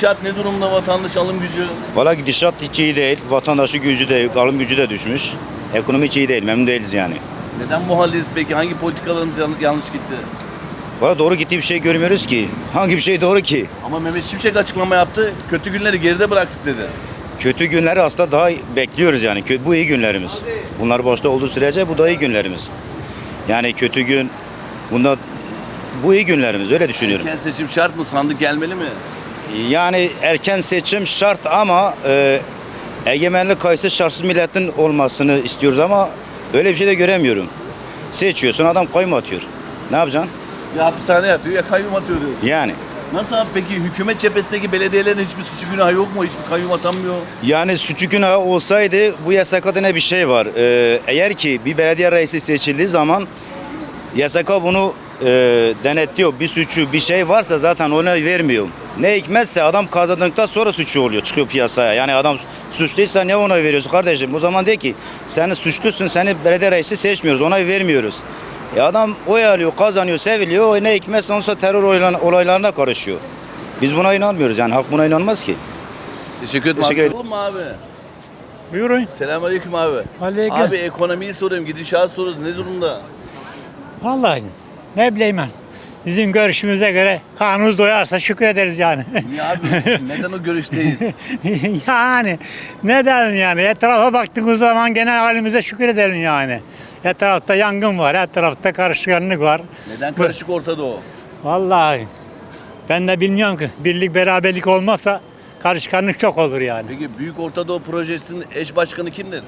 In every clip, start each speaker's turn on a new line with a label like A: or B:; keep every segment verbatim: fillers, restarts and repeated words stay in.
A: Gidişat ne durumda, vatandaş alım gücü?
B: Valla gidişat hiç iyi değil. Vatandaşı gücü de, alım gücü de düşmüş. Ekonomi hiç iyi değil. Memnun değiliz yani.
A: Neden bu haldeyiz peki? Hangi politikalarımız yan- yanlış gitti?
B: Valla doğru gittiği bir şey görmüyoruz ki. Hangi bir şey doğru ki?
A: Ama Mehmet Şimşek açıklama yaptı. Kötü günleri geride bıraktık dedi.
B: Kötü günleri aslında daha bekliyoruz yani. Kö- Bu iyi günlerimiz. Bunlar başta olduğu sürece bu da iyi günlerimiz. Yani kötü gün, bunda bu iyi günlerimiz, öyle düşünüyorum.
A: Erken seçim şart mı? Sandık gelmeli mi?
B: Yani erken seçim şart ama e, egemenlik kayısı şartsız milletin olmasını istiyoruz ama öyle bir şey de göremiyorum. Seçiyorsun, adam kayyum atıyor. Ne yapacaksın?
A: Ya hapishane yatıyor ya kayyum atıyor diyorsun.
B: Yani.
A: Nasıl abi peki hükümet cephesindeki belediyelerin hiçbir suçu günahı yok mu? Hiçbir kayyum atanmıyor.
B: Yani suçu günahı olsaydı bu yasakta ne bir şey var. Ee, eğer ki bir belediye reisi seçildiği zaman yasaka bunu e, denetliyor. Bir suçu bir şey varsa zaten ona vermiyor. Ne hikmetse adam kazandıktan sonra suçu oluyor, çıkıyor piyasaya. Yani adam suçluysa ne onay veriyorsun kardeşim? O zaman de ki sen suçlusun, seni belediye reisi seçmiyoruz, onay vermiyoruz. E adam oy alıyor, kazanıyor, seviliyor. Ne hikmetse ondan sonra terör olaylarına karışıyor. Biz buna inanmıyoruz yani, halk buna inanmaz ki.
A: Teşekkür ederim.
B: Teşekkür
A: abi.
B: ederim.
A: Olur mu abi?
C: Buyurun.
A: Selamünaleyküm abi.
C: Aleyküm.
A: Abi ekonomiyi soruyorum, gidişat soruyoruz. Ne durumda?
C: Vallahi ne bileyim ben. Bizim görüşümüze göre kanunuz doyarsa şükür ederiz yani.
A: Niye abi? Neden o görüşteyiz?
C: Yani neden yani? Etrafa baktığımız zaman genel halimize şükür edelim yani. Etrafta yangın var, etrafta karışkanlık var.
A: Neden karışık ortada o?
C: Vallahi ben de bilmiyorum ki birlik beraberlik olmazsa karışkanlık çok olur yani.
A: Peki Büyük Ortadoğu Projesi'nin eş başkanı kimdir?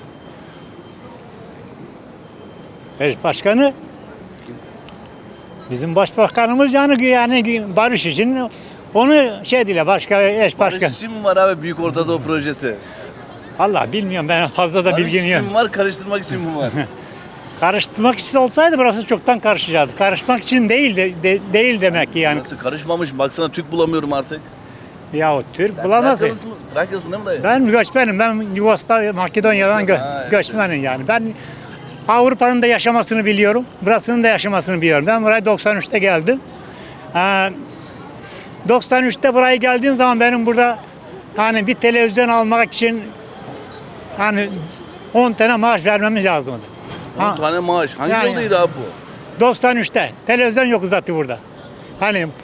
C: Eş başkanı bizim başbakanımız yani yani barış için onu şey değil başka eş başkan.
A: Barış için mi var abi Büyük Ortadoğu Projesi?
C: Allah bilmiyorum ben fazla da
A: Barış
C: bilgim
A: için
C: yok.
A: mi var, karıştırmak için mi var?
C: Karıştırmak için olsaydı burası çoktan karışacaktı. Karışmak için değil de, de- değil demek ki yani.
A: Nasıl karışmamış? Baksana Türk bulamıyorum artık.
C: Ya Türk
A: Sen
C: bulamaz.
A: Trakyalısın mı? Trakyalısın değil mi dayı?
C: Ben göçmenim. Ben Yugoslavya, Makedonya'dan gö-
A: Ha, evet.
C: göçmenim yani. Ben Avrupa'nın da yaşamasını biliyorum. Burasının da yaşamasını biliyorum. Ben buraya doksan üçte geldim. Ee, doksan üçte buraya geldiğim zaman benim burada hani bir televizyon almak için hani on tane maaş vermemiz lazımdı.
A: on
C: Ha,
A: tane maaş. Hangi
C: Yani-
A: yoldaydı abi bu?
C: doksan üçte televizyon yok zaten burada. Hani e,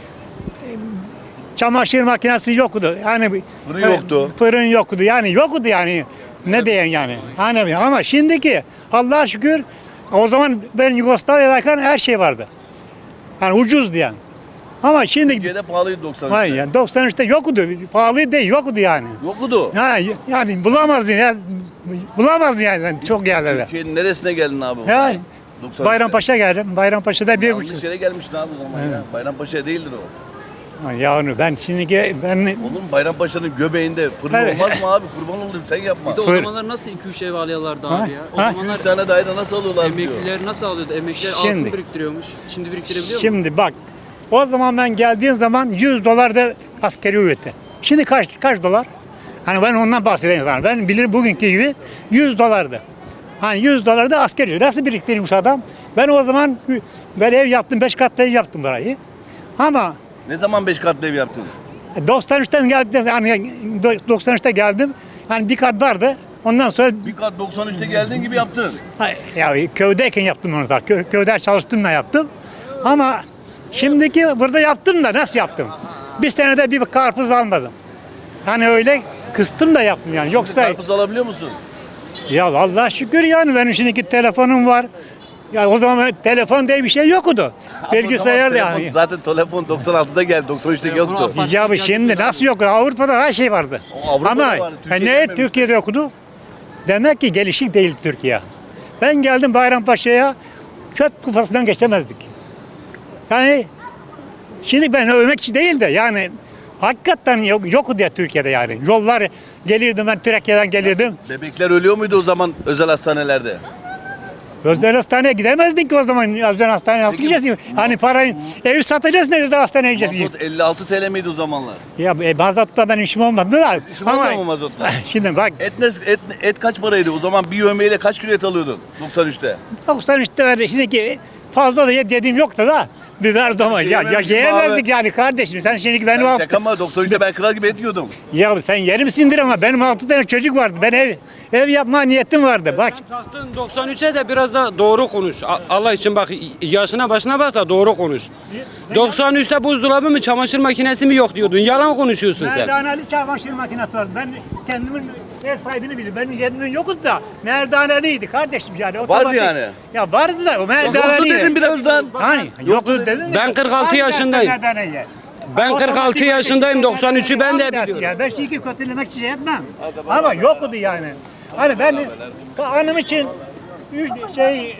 C: çamaşır makinesi yoktu. Hani
A: Fırın yoktu.
C: Fırın yoktu. Yani yoktu yani. Ne diyen yani. Hani ama şimdiki Allah'a şükür o zaman ben Yugoslavya'dayken her şey vardı. Hani ucuzdu yani. Ama şimdi
A: Türkiye'de pahalıydı doksan üçte.
C: hayır yani doksan üçte yoktu. Pahalı değil yoktu yani.
A: Yoktu.
C: Ha, yani bulamazdın ya. Bulamazdın yani çok yerlerde.
A: Türkiye'nin neresine geldin abi?
C: Ya
A: doksan üçte.
C: Bayrampaşa geldim. Bayrampaşa'da bir
A: Yanlış
C: buçuk.
A: yere gelmişsin abi o zaman ya. Bayrampaşa değildir o.
C: Ya onu ben şimdi ben
A: Oğlum Bayrampaşa'nın göbeğinde fırın
C: Evet.
A: olmaz mı abi? Kurban olayım sen yapma.
D: Bir de o
C: Fır-
D: zamanlar nasıl iki üç ev alıyorlardı
C: Ha,
D: abi ya? O
C: ha.
D: zamanlar
A: üç tane daire nasıl alıyorlar diyor.
D: emekliler nasıl alıyordu? Emekliler
C: Şimdi-
D: altın biriktiriyormuş. Şimdi biriktirebiliyor mu?
C: şimdi bak o zaman ben geldiğim zaman yüz dolar da askeri ücreti. Şimdi kaç kaç dolar? Hani ben ondan bahsedeyim sana. Ben bilirim bugünkü gibi yüz dolardı. Hani yüz dolar da askeri ücret. Nasıl biriktirmiş adam? Ben o zaman ben ev yaptım, beş katlı ev yaptım burayı. Ama
A: Ne zaman beş katlı ev yaptın?
C: doksan üçten geldim, hani doksan üçte geldim. Hani bir kat vardı. Ondan sonra
A: Bir kat doksan üçte geldiğin gibi yaptın.
C: Ha, ya köydeyken yaptım onu da. Kö, köyde çalıştım da yaptım. Ama şimdiki burada yaptım da nasıl yaptım? Bir senede bir karpuz almadım. Hani öyle kıstım da yaptım yani. Yoksa
A: Karpuz alabiliyor musun?
C: ya Allah şükür yani benim şimdiki telefonum var. Ya o zaman telefon diye bir şey yoktu. Bilgisayar da
A: Ama telefon-
C: yani.
A: Zaten telefon doksan altıda geldi, doksan üçte
D: Telefonu
A: yoktu.
D: al-
C: Ya şimdi nasıl yok? Avrupa'da her şey vardı.
A: O Avrupa'da
C: Ama
A: vardı,
C: e,
A: Türkiye'de
C: ne
A: gelmemişti.
C: Türkiye'de yoktu? Demek ki gelişik değil Türkiye. Ben geldim Bayrampaşa'ya çöp kufasından geçemezdik. Yani şimdi ben övmek için değil de yani hakikaten yok, yoktu ya Türkiye'de yani. Yollar gelirdim ben Türkiye'den gelirdim.
A: Bebekler ölüyor muydu o zaman özel hastanelerde?
C: Özel hastaneye gidemezdik ki o zaman. Özel hastaneye nasıl
A: Peki,
C: gideceğiz? Hani parayı ev satacağız ne özel hastaneye gideceğiz?
A: Mazot elli altı T L miydi o zamanlar?
C: Ya e, mazotla benim işim olmadı da.
A: İşin olmadı mı mazotla?
C: Şimdi bak
A: Et, ne, et, et kaç paraydı? O zaman bir yövmeyle kaç kilo et alıyordun doksan üçte?
C: doksan üçte verdi. Şimdiki fazla da dediğim yoktu da. Biber zaman ya yaşayamazdık yani kardeşim. Sen şimdi benim
A: Ya
C: alt...
A: şaka mı? doksan üçte ben kral gibi et yiyordum.
C: Ya sen yeri misindir ama benim altı tane çocuk vardı. Ben ev ev yapma niyetim vardı. Bak
E: Taktın doksan üçe de biraz da doğru konuş. A- Allah için bak, yaşına başına bak da doğru konuş. doksan üçte buzdolabı mı çamaşır makinesi mi yok diyordun. Yalan konuşuyorsun sen.
C: merdaneli çamaşır makinesi vardı. Ben kendimin ev sahibini bilirim. Benim kendimin yoktu da merdaneliydi kardeşim yani.
A: Vardı yani.
C: Ya vardı da o
A: Yoktu
C: merdaneliydi.
A: dedim birazdan.
C: Hani yoktu dedin.
E: Ben kırk altı yaşındayım. Ben kırk altı yaşındayım, doksan üçü ben de biliyorum.
C: Ya ben şimdi kötülemek için şey etmem. Ama yoktu yani. Hani ben hanım için üç şey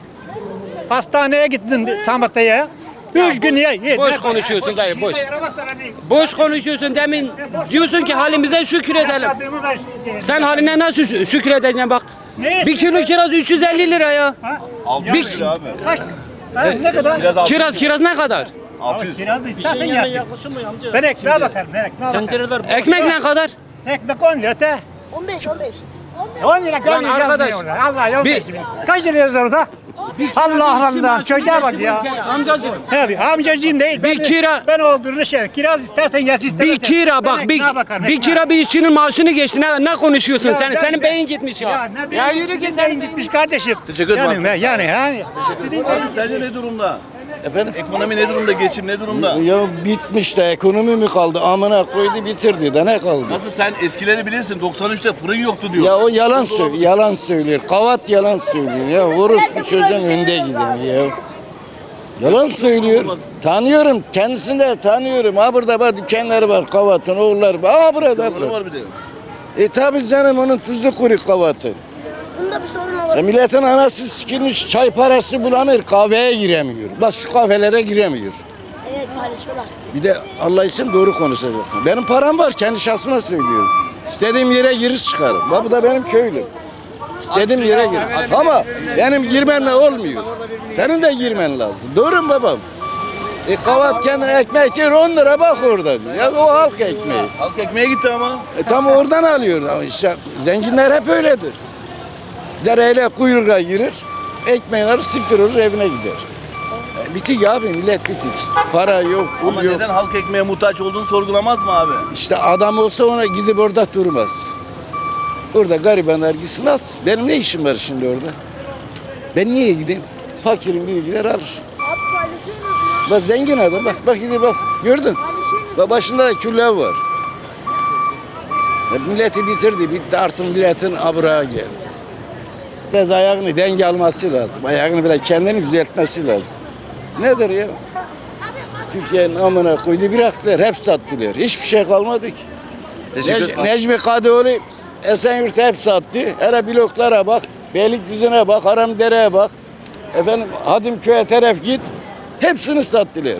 C: hastaneye gittim Samatya'ya. Üç gün ye. ye-
E: boş
C: ne-
E: konuşuyorsun dayı, boş.
C: İşe yaramazsa ben de-
E: Boş konuşuyorsun demin. Diyorsun ki halimize şükredelim.
C: Yaşadığımı ver-
E: Sen haline nasıl şü- şükredeceksin bak.
C: Ne?
E: Bir kilo kiraz üç yüz elli lira ya.
C: Ha?
A: altı yüz lira abi.
C: Kaç? Ha, ne kadar?
A: Biraz altı yüz.
E: Kiraz kiraz ne kadar?
A: altı yüz.
C: Kiraz da istersen yersin. Ben ekmeğe bakarım. Ben ekmeğe bakarım.
E: Ekmek ne kadar?
C: Ekmek on lira te.
F: on beş on beş.
C: on lira
E: Lan
C: gönlü
E: arkadaş,
C: yazmıyor. Allah
E: bir-
C: bir... Kaç lira yazıyor orada? Allah Allah. Çocuğa bak ya.
E: Amcacığım.
C: Tabii amcacığın değil.
E: Bir
C: Ben-
E: kira-
C: Ben olduğunu şey. Kiraz istersen yaz istersen.
E: Bir kira bak bir,
C: ekmeğe bakarım,
E: bir
C: ekmeğe.
E: kira bir işçinin maaşını geçti. Ne, ne konuşuyorsun
C: Ya
E: sen?
C: ben-
E: Senin beyin gitmiş ya.
C: Ya ne
E: Ya
C: bileyim,
E: yürü git
C: sizin
E: sen.
C: beyin gitmiş kardeşim.
A: Teşekkür ederim
C: Yani,
A: abi.
C: yani, yani. Sizin
A: Abi sence ne durumda? Efendim? Ekonomi ne durumda? Geçim ne durumda?
G: Ya bitmiş de ekonomi mi kaldı? Amına koydu bitirdi de ne kaldı?
A: Nasıl sen eskileri bilirsin? doksan üçte fırın yoktu diyor.
G: Ya o yalan söylüyor, yalan söylüyor. Kavat yalan söylüyor. Ya orospu çocuğun önde giden ya. Yalan söylüyor. Tanıyorum, kendisini de tanıyorum. Ha burada bak dükkanları var, Kavat'ın oğulları var. Ha burada,
A: Sorunu
G: burada.
A: var bir de.
G: E tabi canım onun tuzu kuru Kavat'ın.
F: Bunda bir sorun
G: E
F: olabilir.
G: milletin anası sikilmiş, çay parası bulamıyor, kahveye giremiyor. Bak şu kahvelere giremiyor.
F: Evet paylaşıyorlar.
G: Bir de Allah için doğru konuşacaksın. Benim param var, kendi şahsıma söylüyorum. İstediğim yere giriş çıkarım. Bak bu da benim köylüm. İstediğim yere gir. Ama benim girmemle olmuyor. Senin de girmen lazım. Doğru mu babam? E kavat kendine ekmek yer on lira bak orada diyor. Ya o halk ekmeği.
A: Halk ekmeğe gitti ama.
G: E tam oradan alıyor. Ama işte zenginler hep öyledir. Dereyle kuyruğa girir. Ekmeğini alır, sıktırır evine gider. E, bitik abi millet bitik. Para yok, pul
A: Ama
G: yok.
A: neden halk ekmeğe muhtaç olduğunu sorgulamaz mı abi?
G: İşte adam olsa ona gidip orada durmaz. Orada garibanlar gitsin alsın. Benim ne işim var şimdi orada? Ben niye gideyim? Fakirin biri gider alır.
F: Abi paylaşıyorsunuz.
G: Bak zengin adam bak bak gidip bak gördün. Bak başında da küller var. Ya milleti bitirdi bitti artık milletin abrağı geldi. Biraz ayağını denge alması lazım. Ayağını biraz kendini düzeltmesi lazım. Nedir ya? Türkiye'nin amına koydu bıraktılar. Hep sattılar. Hiçbir şey kalmadı ki.
A: Teşekkür
G: Nec-
A: ederim.
G: Necmi Kadıoğlu Esenyurt'u hep sattı. Hele bloklara bak, Beylikdüzü'ne bak, Haramdere'ye bak. Efendim Hadimköy'e taraf git. Hepsini sattılar.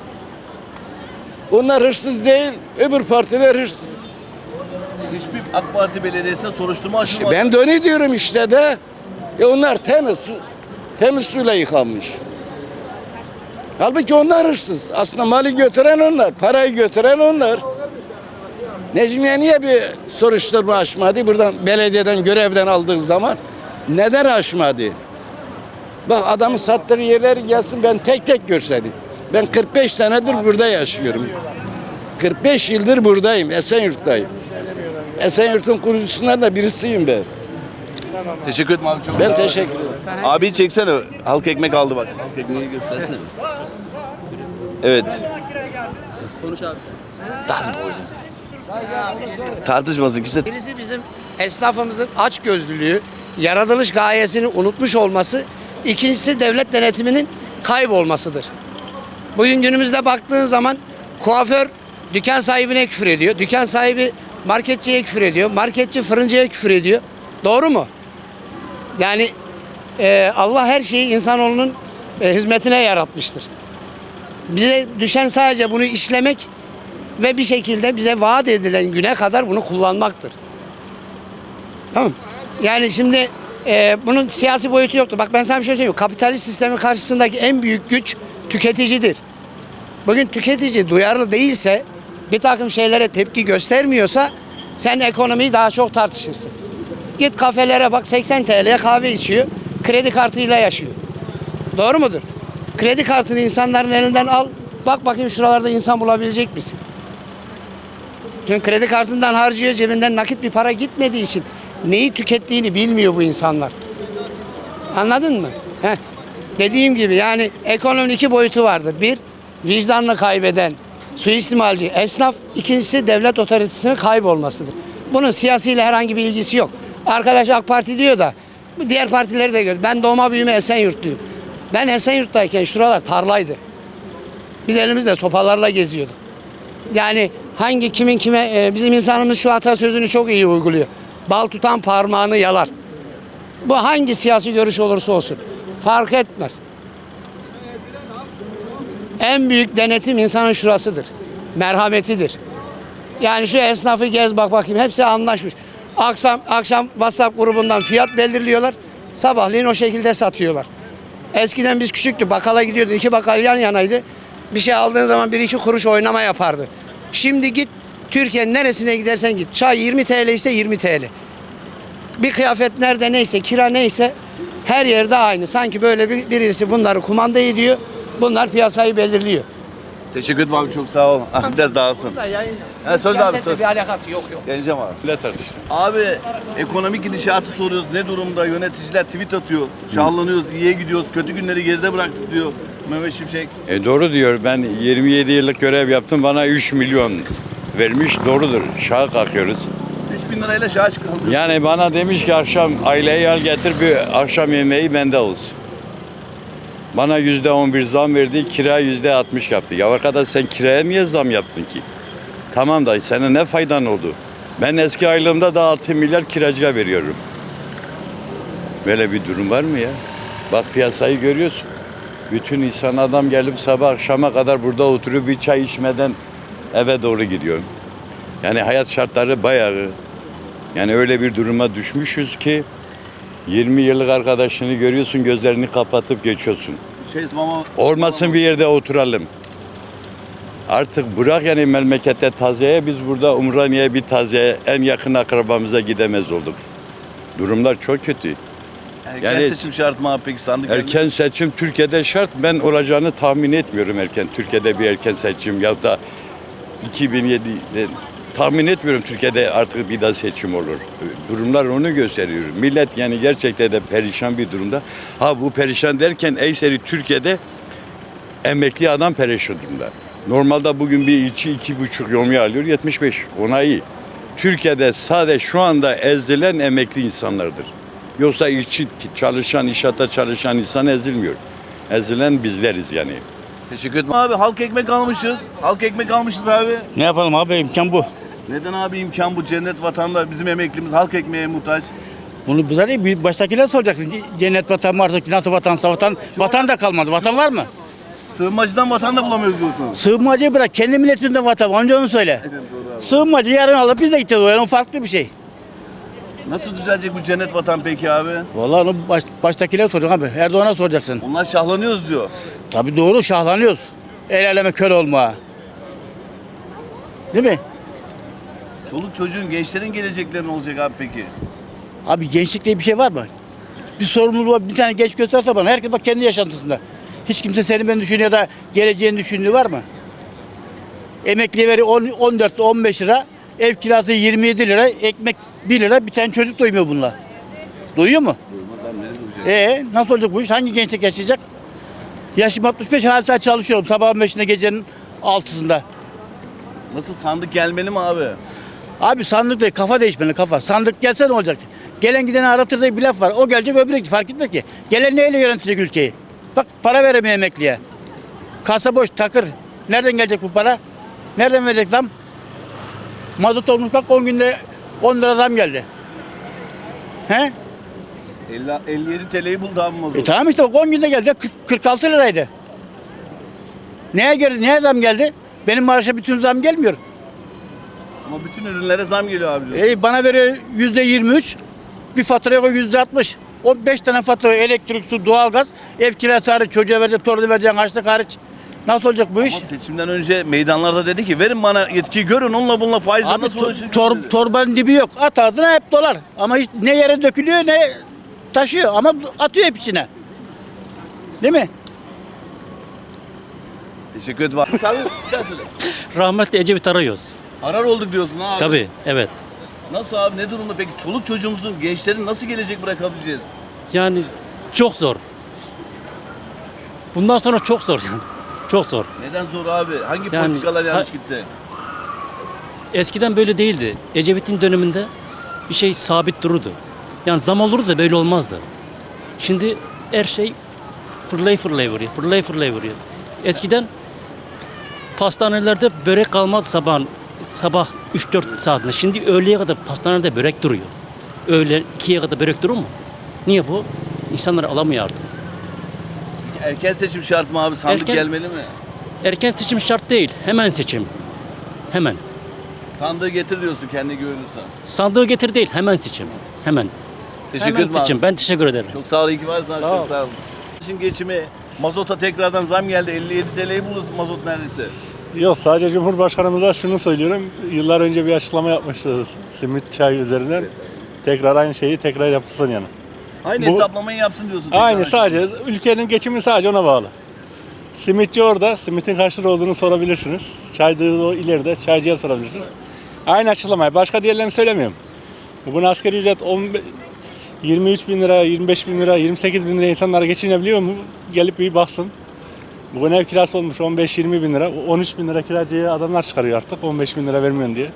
G: Onlar hırsız değil, öbür partiler hırsız.
A: Hiçbir AK Parti belediyesine soruşturma açılmadı.
G: Ben de onu diyorum işte de. E onlar temiz, su, temiz suyla yıkanmış. Halbuki onlar hırsız. Aslında mali götüren onlar, parayı götüren onlar. Necmiye niye bir soruşturma açmadı? Buradan belediyeden görevden aldığı zaman neden açmadı? Bak adamın sattığı yerleri gelsin ben tek tek görseydim. Ben kırk beş senedir burada yaşıyorum. kırk beş yıldır buradayım, Esenyurt'tayım. Esenyurt'un kurucusundan da birisiyim ben.
A: Teşekkür ederim abi çok.
G: Ben teşekkür ederim.
A: Abi çeksene. Halk ekmek aldı bak. Halk ekmeği göstersene. Evet.
D: Konuş abi.
A: Tartışmasın kimse.
H: Birisi bizim esnafımızın açgözlülüğü, yaratılış gayesini unutmuş olması, ikincisi devlet denetiminin kaybolmasıdır. Bugün günümüzde baktığın zaman kuaför dükkan sahibine küfür ediyor, dükkan sahibi marketçiye küfür ediyor, marketçi fırıncıya küfür ediyor. Doğru mu? Yani e, Allah her şeyi insanoğlunun e, hizmetine yaratmıştır. Bize düşen sadece bunu işlemek ve bir şekilde bize vaat edilen güne kadar bunu kullanmaktır. Tamam. Yani şimdi e, bunun siyasi boyutu yoktur. Bak ben sana bir şey söyleyeyim. Kapitalist sistemin karşısındaki en büyük güç tüketicidir. Bugün tüketici duyarlı değilse, bir takım şeylere tepki göstermiyorsa sen ekonomiyi daha çok tartışırsın. Git kafelere bak seksen T L'ye kahve içiyor, kredi kartıyla yaşıyor. Doğru mudur? Kredi kartını insanların elinden al. Bak bakayım şuralarda insan bulabilecek misin? Çünkü kredi kartından harcıyor, cebinden nakit bir para gitmediği için neyi tükettiğini bilmiyor bu insanlar. Anladın mı? Heh. Dediğim gibi yani ekonominin iki boyutu vardır. Bir, vicdanını kaybeden suistimalci esnaf. İkincisi devlet otoritesinin kaybolmasıdır. Bunun siyasiyle herhangi bir ilgisi yok. Arkadaş AK Parti diyor da diğer partileri de gör. Ben doğma büyüme Esenyurtluyum. Ben Esenyurt'tayken şuralar tarlaydı. Biz elimizde sopalarla geziyorduk. Yani hangi kimin kime e, bizim insanımız şu atasözünü çok iyi uyguluyor. Bal tutan parmağını yalar. Bu hangi siyasi görüş olursa olsun fark etmez. En büyük denetim insanın şurasıdır. Merhametidir. Yani şu esnafı gez bak bakayım hepsi anlaşmış. Akşam akşam WhatsApp grubundan fiyat belirliyorlar. Sabahleyin o şekilde satıyorlar. Eskiden biz küçüktü bakkala gidiyorduk. İki bakkal yan yanaydı. Bir şey aldığın zaman bir iki kuruş oynama yapardı. Şimdi git Türkiye'nin neresine gidersen git. Çay yirmi TL ise yirmi TL. Bir kıyafet nerede neyse, kira neyse her yerde aynı. Sanki böyle bir, birisi bunları kumanda ediyor. Bunlar piyasayı belirliyor.
A: Teşekkür ederim abi, çok sağ ol. Ah, biraz dağılsın. Ha, söz abi, söz.
H: Bir alakası yok yok.
A: Geleceğim abi.
I: Ne tartıştın?
A: Abi ekonomik gidişatı soruyoruz. Ne durumda? Yöneticiler tweet atıyor. Şahlanıyoruz, iyiye gidiyoruz. Kötü günleri geride bıraktık diyor Mehmet Şimşek.
I: E doğru diyor. Ben yirmi yedi yıllık görev yaptım. Bana üç milyon vermiş. Doğrudur. Şaha kalkıyoruz.
A: üç bin lirayla şaha çıkıldı.
I: Yani bana demiş ki akşam aileyi al getir bir akşam yemeği bende olsun. Bana yüzde on bir zam verdi. Kira yüzde altmış yaptı. Ya arkadaş sen kiraya niye zam yaptın ki? Tamam da sana ne faydan oldu? Ben eski aylığımda da altı milyar kiracıya veriyorum. Böyle bir durum var mı ya? Bak piyasayı görüyorsun. Bütün insan adam gelip sabah akşama kadar burada oturup bir çay içmeden eve doğru gidiyor. Yani hayat şartları bayağı, yani öyle bir duruma düşmüşüz ki yirmi yıllık arkadaşını görüyorsun, gözlerini kapatıp geçiyorsun.
A: Şey, mama,
I: Olmasın bir yerde oturalım. Artık bırak yani memlekette taziyeye, biz burada Umraniye'ye bir taziye en yakın akrabamıza gidemez olduk. Durumlar çok kötü.
A: erken
I: yani-
A: seçim şart mı abi peki, sandık?
I: Erken seçim Türkiye'de şart. Ben olacağını tahmin etmiyorum erken. Türkiye'de bir erken seçim ya da iki bin yedide tahmin etmiyorum Türkiye'de artık bir daha seçim olur. Durumlar onu gösteriyor. Millet yani gerçekten de perişan bir durumda. Ha bu perişan derken Eyseri Türkiye'de emekli adam perişan durumda. Normalde bugün bir içi iki buçuk yomiye alıyor yetmiş beş. Ona iyi. Türkiye'de sadece şu anda ezilen emekli insanlardır. Yoksa işçi, çalışan, inşaatta çalışan insan ezilmiyor. Ezilen bizleriz yani.
A: Teşekkür ederim abi. Halk ekmek almışız. Halk ekmek almışız abi.
J: Ne yapalım abi, imkan bu.
A: Neden abi imkan bu? Cennet vatanda bizim emeklimiz halk ekmeğe muhtaç.
J: Bunu bize değil, bir baştakiler soracaksın. Cennet vatan mı artık, nasıl vatansa vatan, vatan da kalmadı. Vatan var mı?
A: Sığınmacıdan vatan da bulamıyoruz diyorsun.
J: Sığınmacıyı bırak, kendi milletinden vatan var. Önce onu söyle. Sığınmacı yarın alıp biz de gideceğiz. O yani o farklı bir şey.
A: Nasıl düzelecek bu cennet vatan peki abi?
J: Vallahi onu baş, baştakiler soracaksın abi. Erdoğan'a soracaksın.
A: Onlar şahlanıyoruz diyor.
J: Tabii doğru, şahlanıyoruz. El aleme kör olma. Değil mi?
A: Çoluk çocuğun, gençlerin gelecekleri ne olacak abi peki?
J: Abi gençlik diye bir şey var mı? Bir sorumluluğu var. Bir tane genç gösterse bana. Herkes bak kendi yaşantısında. Hiç kimse senin beni düşünüyor da geleceğini düşündüğü var mı? Emekliye veri on dört on beş lira. Ev kirası yirmi yedi lira. Ekmek bir lira. Bir tane çocuk doymuyor bununla. Doyuyor mu?
A: Doymaz abi, nereye doyacak?
J: Ee, nasıl olacak bu iş? Hangi gençlik yaşayacak? Yaşım altmış beş, hala çalışıyorum. Sabahın beşinde, gecenin altısında.
A: Nasıl, sandık gelmeli mi abi?
J: Abi sandık değil, kafa değişmeli, kafa. Sandık gelse ne olacak? Gelen gideni aratır diye bir laf var. O gelecek, öbürü gidecek. Fark etmez ki. Gelen neyle yönetecek ülkeyi? Bak para veremiyor emekliye. Kasa boş, takır. Nereden gelecek bu para? Nereden verecek zam? Mazot olmuş bak on günde on lira zam geldi. He?
A: elli yedi T L'yi buldu abi mazot.
J: E tamam işte bak on günde geldi. kırk altı liraydı. Neye geldi? Neye zam geldi? Benim maaşa bütün zam gelmiyor.
A: Ama bütün ürünlere zam geliyor abi diyor.
J: E bana veriyor yüzde yirmi üç. Bir faturaya koy yüzde altmış. O beş tane fatura, elektrik, su, doğalgaz, ev kirası hariç, çocuğa vereceksin, torunu vereceksin, harçlık hariç. Nasıl olacak bu iş?
A: Ama seçimden önce meydanlarda dedi ki verin bana yetkiyi, görün onunla bununla faizle
J: Abi
A: nasıl
J: to-
A: uğraşır?
J: tor- torbanın dibi yok. At ardına hep dolar. Ama hiç ne yere dökülüyor ne taşıyor. Ama atıyor hep içine. Değil mi?
A: Teşekkür ederim abi. Abi bir daha söyle.
K: Rahmetli Ecevit arıyoruz.
A: Arar olduk diyorsun abi.
K: Tabii, evet.
A: Nasıl abi, ne durumda peki? Çoluk çocuğumuzun, gençlerin nasıl gelecek bırakabileceğiz?
K: Yani çok zor. Bundan sonra çok zor yani. Çok zor.
A: Neden zor abi? Hangi
K: Yani-
A: politikalar yanlış
K: Ha-
A: gitti?
K: Eskiden böyle değildi. Ecevit'in döneminde bir şey sabit dururdu. Yani zam olurdu da böyle olmazdı. Şimdi her şey fırlay fırlay vuruyor. Fırlay fırlay vuruyor. Eskiden pastanelerde börek kalmaz sabah sabah üç dört saatinde. Şimdi öğleye kadar pastanede börek duruyor. Öğle ikiye kadar börek durur mu? Niye bu? İnsanlar alamıyor artık.
A: Erken seçim şart mı abi? Sandık
K: Erken-
A: gelmeli mi?
K: Erken seçim şart değil. Hemen seçim. Hemen.
A: Sandığı getir diyorsun kendi güveniyorsan.
K: Sandığı getir değil. Hemen seçim. Hemen.
A: Teşekkür
K: Hemen
A: ederim abi.
K: seçim. Ben teşekkür ederim.
A: Çok sağ ol, iyi ki varsın abi.
K: Sağ
A: Çok
K: ol.
A: sağ ol. Şimdi geçimi, mazota tekrardan zam geldi. elli yedi T L'yi buluruz mazot neredeyse.
L: Yok, sadece Cumhurbaşkanımıza şunu söylüyorum. Yıllar önce bir açıklama yapmıştı simit çay üzerinden. Tekrar aynı şeyi tekrar yapsın yani.
A: Aynı
L: Bu-
A: hesaplamayı yapsın diyorsun.
L: Aynı,
A: tekrar.
L: sadece ülkenin geçimi sadece ona bağlı. Simitçi orada, simitin kaç lira olduğunu sorabilirsiniz. Çaycı o ileride, çaycıya sorabilirsiniz. Aynı açıklamayı, başka diğerlerini söylemiyorum. Bunu asgari ücret on beş yirmi üç bin lira, yirmi beş bin lira, yirmi sekiz bin lira insanlar geçinebiliyor mu? Gelip bir baksın. Bugün ev kirası olmuş on beş yirmi bin lira, on üç bin lira kiracıya adamlar çıkarıyor artık, on beş bin lira vermiyorsun diye.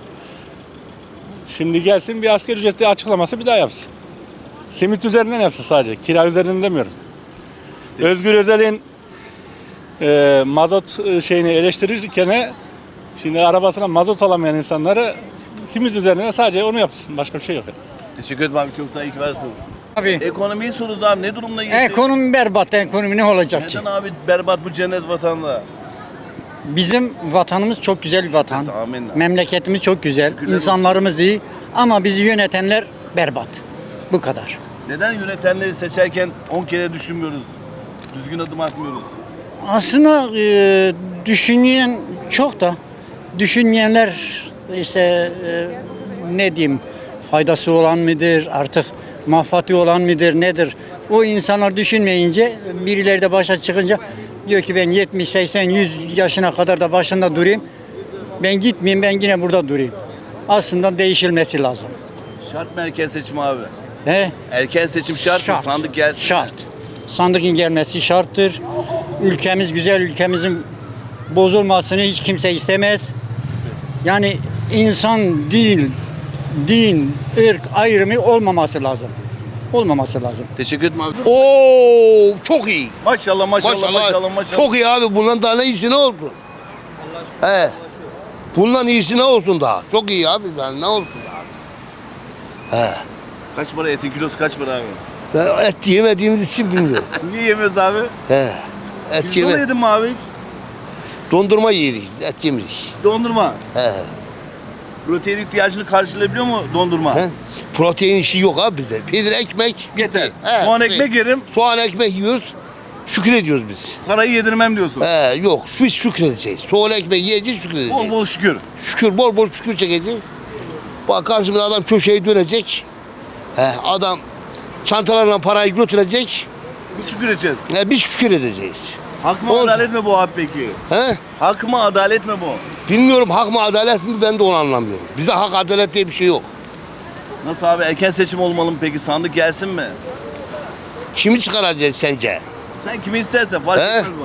L: Şimdi gelsin bir asgari ücretli açıklaması bir daha yapsın. Simit üzerinden yapsın sadece, kira üzerinden demiyorum. Özgür Özel'in e, mazot e, şeyini eleştirirken şimdi arabasına mazot alamayan insanları simit üzerinden sadece onu yapsın, başka bir şey yok.
A: Teşekkür ederim abi, çok sağ ol, iyi ki varsın.
M: Abi
A: Ekonomiyi soruyoruz abi, ne durumda geçecek?
M: ekonomi berbat, ekonomi ne olacak ki?
A: Neden abi berbat bu cennet vatanda?
M: Bizim vatanımız çok güzel bir vatan.
A: Amin.
M: Memleketimiz çok güzel,
A: Şükürler
M: insanlarımız iyi ama bizi yönetenler berbat. Bu kadar.
A: Neden yönetenleri seçerken on kere düşünmüyoruz? Düzgün adım atmıyoruz.
M: Aslında e, düşünmeyen çok da düşünmeyenler işte e, ne diyeyim faydası olan mıdır artık manfaati olan mıdır nedir? O insanlar düşünmeyince birileri de başa çıkınca diyor ki ben yetmiş seksen yüz yaşına kadar da başında durayım. Ben gitmeyeyim, ben yine burada durayım. Aslında değişilmesi lazım.
A: Şart mı erken seçim abi?
M: He?
A: Erken seçim şart, mı? Sandık gelsin.
M: Şart. Sandıkın gelmesi şarttır. Ülkemiz güzel, ülkemizin bozulmasını hiç kimse istemez. Yani insan değil, din, ırk ayrımı olmaması lazım. Olmaması lazım.
A: Teşekkür ederim abi.
G: Oo çok iyi.
A: Maşallah maşallah maşallah maşallah.
G: Çok iyi abi. Bundan daha ne iyisi ne olsun? He. Bundan iyisi ne olsun daha? Çok iyi abi. Yani ne olsun daha? He.
A: Kaç para etin kilosu, kaç para abi?
G: Ben et yemediğimiz için bilmiyorum.
A: Niye yemiyoruz abi?
G: He. Et
A: Pirzola
G: yeme.
A: yedin mi abi hiç?
G: Dondurma yedik. Et yemedik.
A: Dondurma.
G: He.
A: Protein ihtiyacını karşılayabiliyor mu dondurma?
G: He. Protein işi yok abi bizde. Peynir, ekmek.
A: Yeter.
G: He.
A: Soğan ekmek yerim,
G: Soğan ekmek yiyoruz. Şükür ediyoruz biz.
A: sarayı yedirmem diyorsun.
G: He, yok biz şükredeceğiz. Soğan ekmek yiyeceğiz, şükredeceğiz.
A: Bol bol şükür.
G: Şükür, bol bol şükür çekeceğiz. Bak karşımda adam köşeyi dönecek. He, adam çantalarla parayı götürecek.
A: Biz şükür edeceğiz.
G: He, biz şükür edeceğiz.
A: Hak mı
G: Olsun.
A: adalet mi bu abi peki?
G: He?
A: Hak mı adalet mi bu?
G: Bilmiyorum hak mı adalet mi ben de onu anlamıyorum. Bizde hak adalet diye bir şey yok.
A: Nasıl abi, erken seçim olmalı mı peki? Sandık gelsin mi?
G: Kimi çıkaracağız sence?
A: Sen kimi istersen fark
G: He?
A: etmez bana.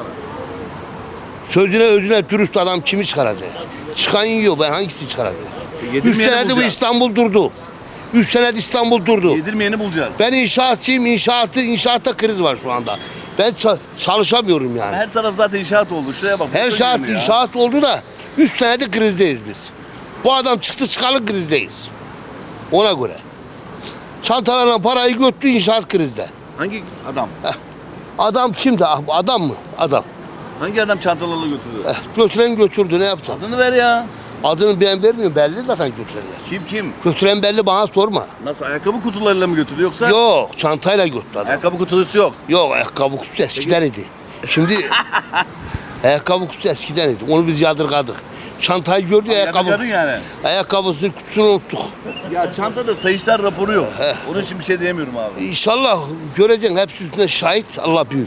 G: Sözüne özüne dürüst adam kimi çıkaracağız? Çıkan yiyor ben hangisini çıkaracağız? Üç
A: Yedirmeyeni
G: senedir bu
A: bulacağız.
G: İstanbul durdu. Üç senedir İstanbul durdu.
A: Yedirmeyeni bulacağız.
G: Ben inşaatçıyım, inşaatı, inşaatta kriz var şu anda. Ben ça- çalışamıyorum yani.
A: Her taraf zaten inşaat oldu. Şuraya bak.
G: Her
A: burada
G: saat
A: yirmi ya.
G: inşaat oldu da üç senedir krizdeyiz biz. Bu adam çıktı çıkalı krizdeyiz. Ona göre. Çantalarla parayı götürdü inşaat krizde.
A: Hangi adam?
G: Adam kimdi? Ah, Adam mı? Adam.
A: Hangi adam çantalarla götürüyor?
G: Eh, götüren götürdü ne yapacağız?
A: Adını ver ya.
G: Adını ben vermiyorum belli zaten götürenler.
A: Kim kim?
G: Götüren belli bana sorma.
A: Nasıl, ayakkabı kutularıyla mı götürüyor yoksa?
G: Yok çantayla götürdü adam.
A: Ayakkabı kutusu yok.
G: Yok ayakkabı kutusu eskiden idi. Şimdi ayakkabı kutusu eskiden idi. Onu biz yadırgadık. Çantayı gördü ayakkabı.
A: Yadırgadın yani.
G: Ayakkabısının kutusunu unuttuk.
A: Ya çantada sayışlar raporu yok. Onun için bir şey diyemiyorum abi.
G: İnşallah göreceksin hepsi üstünde şahit Allah büyük.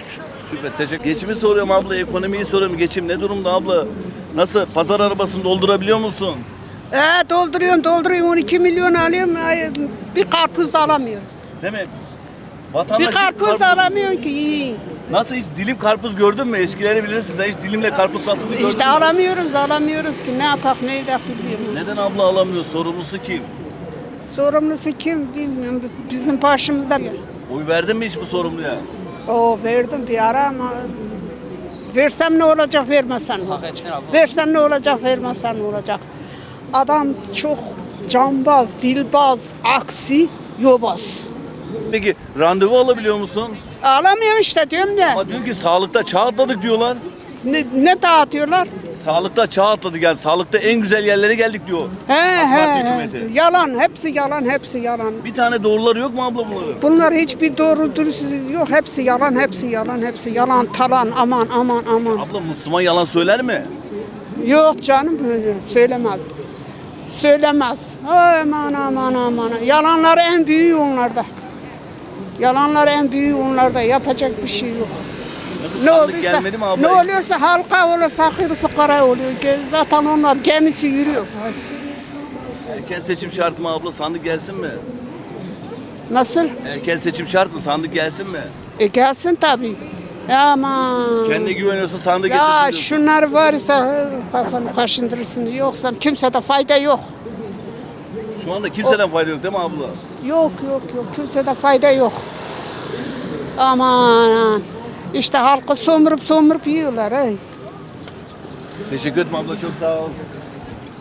A: Şükret, teşekkür. Geçimi soruyorum abla, ekonomiyi soruyorum. Geçim ne durumda abla? Nasıl? Pazar arabasını doldurabiliyor musun?
F: Ee, dolduruyorum dolduruyorum on iki milyon alıyorum. Ay, bir karpuz da alamıyorum.
A: Değil mi? Vatandaş
F: Bir karpuz da alamıyorum ki.
A: Nasıl, hiç dilim karpuz gördün mü? Eskileri bilirsiniz. Hiç dilimle karpuz satıldığını gördün
F: İşte
A: mü?
F: alamıyoruz alamıyoruz ki ne yapak ne edek bilmiyorum.
A: Neden abla alamıyor? Sorumlusu kim?
F: Sorumlusu kim bilmiyorum. Bizim başımızda.
A: Oy verdin mi hiç bu sorumluya?
F: O verdim bir ara ama versem ne olacak vermesen ne olacak? Versen ne olacak vermesen ne olacak? Adam çok cambaz, dilbaz, aksi, yobaz.
A: Peki randevu alabiliyor musun?
F: Alamıyorum işte diyorum ya.
A: Ama diyor ki sağlıkta çağ atladık diyorlar.
F: Ne, ne dağıtıyorlar?
A: Sağlıkta çağ atladık, yani sağlıkta en güzel yerlere geldik diyor.
F: He
A: AK Parti
F: he,
A: hükümeti.
F: he. Yalan, hepsi yalan, hepsi yalan.
A: Bir tane doğruları yok mu abla bunların?
F: Bunlar hiçbir doğru dürüst yok. Hepsi yalan, hepsi yalan, hepsi yalan, talan, aman aman aman.
A: Abla Müslüman yalan söyler mi?
F: Yok canım söylemez. Söylemez. Aman aman aman. Yalanlar en büyüğü onlarda. Yalanlar en büyüğü onlarda. Yapacak bir şey yok.
A: Nasıl,
F: Ne
A: sandık
F: oluyorsa,
A: gelmedi mi abla?
F: ne oluyorsa halka olur, fakir fukara oluyor. Zaten onlar gemisi yürüyor.
A: Erken seçim şart mı abla? Sandık gelsin mi?
F: Nasıl?
A: Erken seçim şart mı? Sandık gelsin mi?
F: E gelsin tabii. Aman.
A: Kendine güveniyorsa sandık
F: Ya
A: getirsin diyorsun.
F: şunlar varsa kafanı kaşındırırsın. Yoksa kimsede fayda yok.
A: Şu anda kimseden fayda yok değil mi abla?
F: Yok yok yok. Kimsede fayda yok. Aman. İşte halkı somurup somurup yiyorlar. Hey.
A: Teşekkür ederim abla, çok sağ ol.